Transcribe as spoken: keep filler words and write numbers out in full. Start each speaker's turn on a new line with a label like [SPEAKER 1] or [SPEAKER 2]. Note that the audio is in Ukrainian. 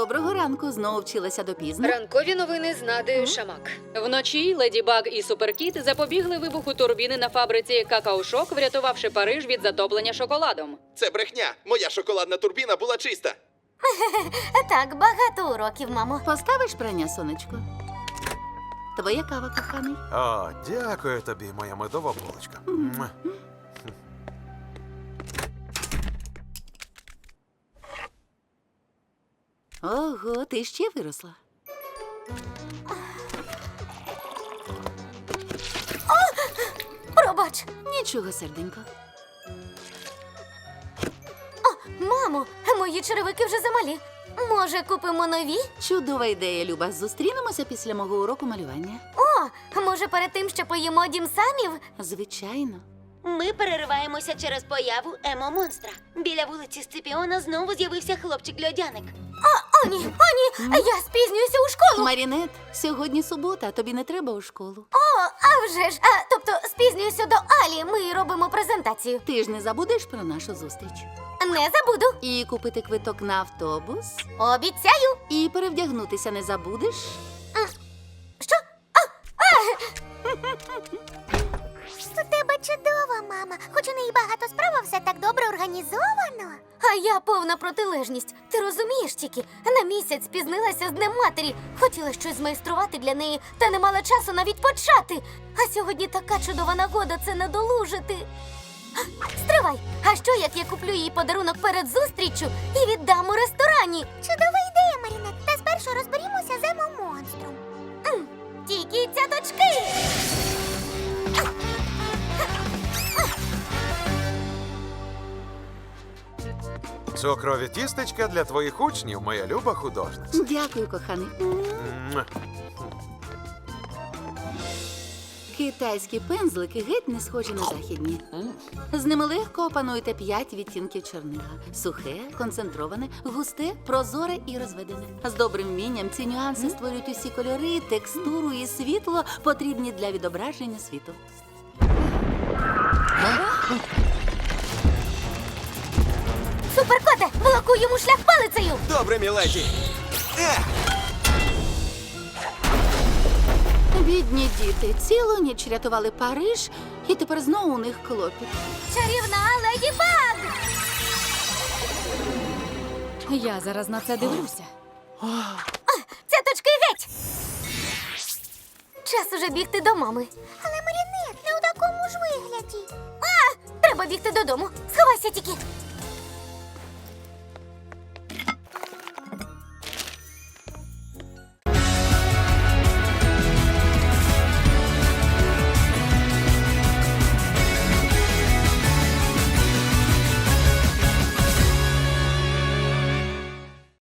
[SPEAKER 1] Доброго ранку. Знову вчилася допізно.
[SPEAKER 2] Ранкові новини з Надею Шамак.
[SPEAKER 3] Вночі Леді Баг і Суперкіт запобігли вибуху турбіни на фабриці «Какао-Шок», врятувавши Париж від затоплення шоколадом.
[SPEAKER 4] Це брехня. Моя шоколадна турбіна була чиста.
[SPEAKER 5] Так, багато уроків, мамо.
[SPEAKER 1] Поставиш прання, сонечко? Твоя кава, коханий.
[SPEAKER 6] О, дякую тобі, моя медова булочка. Муа.
[SPEAKER 1] Ого, ти ще виросла.
[SPEAKER 5] Пробач.
[SPEAKER 1] Нічого, серденько.
[SPEAKER 5] Мамо, мої черевики вже замалі. Може, купимо нові?
[SPEAKER 1] Чудова ідея, Люба. Зустрінемося після мого уроку малювання.
[SPEAKER 5] О, може, перед тим, що поїмо дім самів?
[SPEAKER 1] Звичайно.
[SPEAKER 7] Ми перериваємося через появу емо-монстра. Біля вулиці Сципіона знову з'явився хлопчик-льодяник.
[SPEAKER 5] О, ні, о, ні, я спізнююся у школу.
[SPEAKER 1] Марінет, сьогодні субота, тобі не треба у школу.
[SPEAKER 5] О, а вже ж, а, тобто спізнююся до Алі, ми робимо презентацію.
[SPEAKER 1] Ти ж не забудеш про нашу зустріч.
[SPEAKER 5] Не забуду.
[SPEAKER 1] І купити квиток на автобус.
[SPEAKER 5] Обіцяю.
[SPEAKER 1] І перевдягнутися не забудеш.
[SPEAKER 5] Що? У тебе чудова мама. Хоч у неї багато справ, а все так добре організовано. А я повна протилежність. Ти розумієш тільки? На місяць спізнилася з Днем матері. Хотіла щось змайструвати для неї, та не мала часу навіть почати. А сьогодні така чудова нагода це надолужити. Стривай! А що, як я куплю їй подарунок перед зустріччю і віддам у ресторані? Чудова ідея, Марінет. Та спершу розберімося з емо-монстром. Тільки цяточки!
[SPEAKER 6] Цукрові тістечка для твоїх учнів, моя люба художниця.
[SPEAKER 1] Дякую, коханий.
[SPEAKER 6] Муа.
[SPEAKER 1] Китайські пензлики геть не схожі на західні. З ними легко опануєте п'ять відтінків чорнила. Сухе, концентроване, густе, прозоре і розведене. З добрим вмінням ці нюанси створюють усі кольори, текстуру і світло, потрібні для відображення світу.
[SPEAKER 5] Суперкоте, блокуй йому шлях палицею!
[SPEAKER 4] Добре, міледі.
[SPEAKER 1] Бідні діти цілу ніч рятували Париж, і тепер знову у них клопіт.
[SPEAKER 5] Чарівна Леді Баг!
[SPEAKER 3] Я зараз на це дивлюся.
[SPEAKER 5] Цяточки геть! Час уже бігти до мами. Але, Марінет, не у такому ж вигляді. А, треба бігти додому. Сховайся тільки.